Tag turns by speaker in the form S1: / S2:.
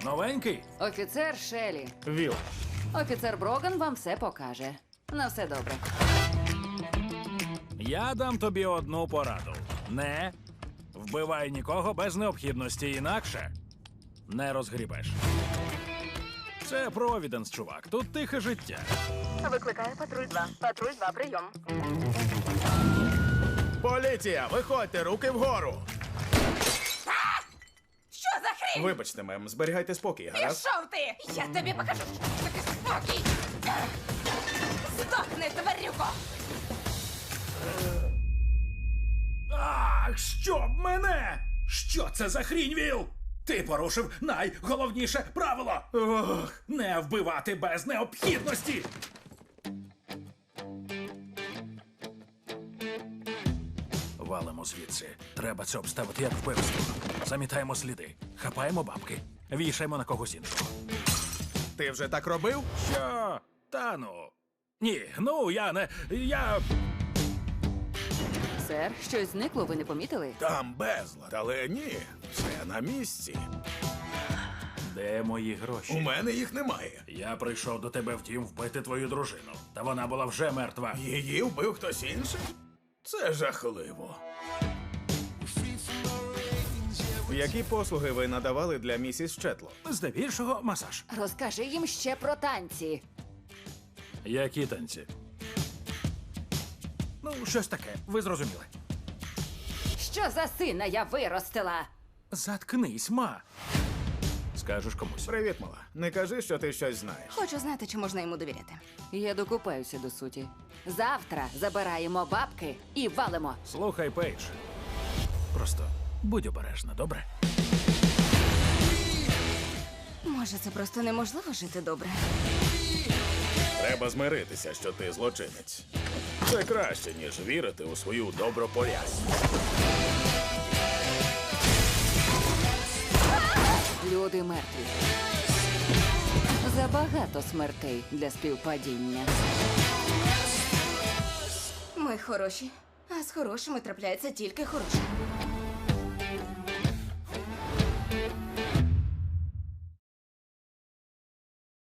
S1: Новенький?
S2: Офіцер Шелі.
S1: Віл.
S2: Офіцер Броган вам все покаже. На все добре.
S1: Я дам тобі одну пораду. Не вбивай нікого без необхідності, інакше не розгрібеш. Це Провіденс, чувак. Тут тихе життя.
S3: Викликає патруль 2. Патруль 2, прийом.
S4: Поліція, виходьте, руки вгору!
S3: Що за хрінь?
S4: Вибачте, мем, зберігайте спокій, гаразд?
S3: Пішов ти! Я тобі покажу, що таке спокій! Здохни, тварюко!
S1: Ах, щоб мене! Що це за хрінь, Віл? Ти порушив найголовніше правило! Ох, не вбивати без необхідності! Валимо звідси. Треба це обставити як вбивство. Замітаємо сліди, хапаємо бабки, вішаємо на когось іншого.
S4: Ти вже так робив?
S1: Що? Та ну. Ні, ну я не. Я.
S2: Сер, щось зникло, ви не помітили?
S4: Там безлад, але ні, все на місці.
S1: Де мої гроші?
S4: У мене їх немає.
S1: Я прийшов до тебе в дім вбити твою дружину. Та вона була вже мертва.
S4: Її вбив хтось інший? Це жахливо. Які послуги ви надавали для місіс Четло?
S1: Здебільшого масаж.
S2: Розкажи їм ще про танці.
S1: Які танці? Ну, щось таке, ви зрозуміли.
S2: Що за сина я виростила?
S1: Заткнись, ма. Скажеш комусь.
S4: Привіт, мала. Не кажи, що ти щось знаєш.
S3: Хочу знати, чи можна йому довіряти.
S2: Я докупаюся до суті. Завтра забираємо бабки і валимо.
S1: Слухай, Пейдж. Просто будь обережна, добре?
S3: Може, це просто неможливо жити добре?
S4: Треба змиритися, що ти злочинець. Це краще, ніж вірити у свою добропорядність.
S2: Люди мертві. Забагато смертей для співпадіння.
S3: Ми хороші, а з хорошими трапляється тільки хороше.